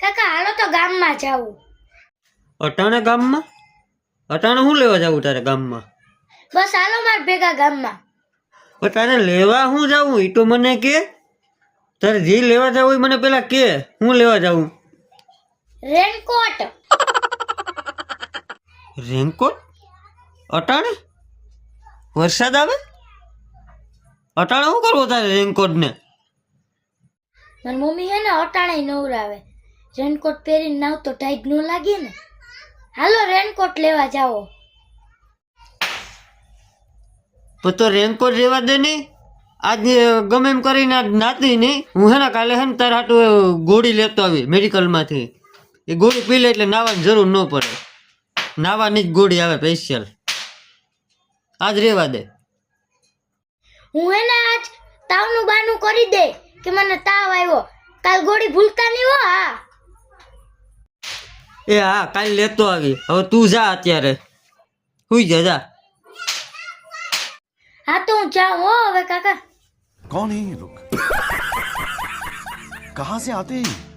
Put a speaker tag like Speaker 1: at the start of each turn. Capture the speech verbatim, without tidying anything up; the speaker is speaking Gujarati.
Speaker 1: કાકા હાલો તો ગામમાં જાવું.
Speaker 2: અટાણે ગામમાં? અટાણે શું લેવા જાવું તારે ગામમાં?
Speaker 1: બસ હાલો માર ભેગા ગામમાં.
Speaker 2: પણ તારે લેવા શું જાવું એ તો મને કે. તારે જે લેવા જાવું એ મને પેલા કે. હું લેવા જાવું?
Speaker 1: રેનકોટ.
Speaker 2: રેનકોટ? અટાણે? વરસાદ આવે? અટાણે શું કરવો તારે રેનકોટ ને?
Speaker 1: મારી મમ્મી હે ને અટાણે નવરાવે. રેનકોટ પહેરીને નાવ તો ટાઈટ ન લાગે ને. હાલો રેનકોટ લેવા જાઓ.
Speaker 2: પણ તો રેનકોટ રેવા દે નહીં. આજે ગમે એમ કરીને આજ નાતી નહીં. હું હે ને કાલે હે ને તારા હાટું ગોળી લેતો આવી મેડિકલમાંથી. એ ગોળી પી લે એટલે નાવાની જરૂર ન પડે. નાવાની જ ગોળી આવે સ્પેશિયલ. આજ રેવા દે.
Speaker 1: હું હે ને આજ તાવનું બાનું કરી દે કે મને તાવ આવ્યો. કાલ ગોળી ભૂલતા નહીં હો. હા
Speaker 2: એ હા કાલે લેતો આવી. હવે તું જા અત્યારે. હુઈ જા જા.
Speaker 1: હા તો હું જાઉં હો હવે કાકા.
Speaker 3: कौन है ये लोग? कहां से आते हैं?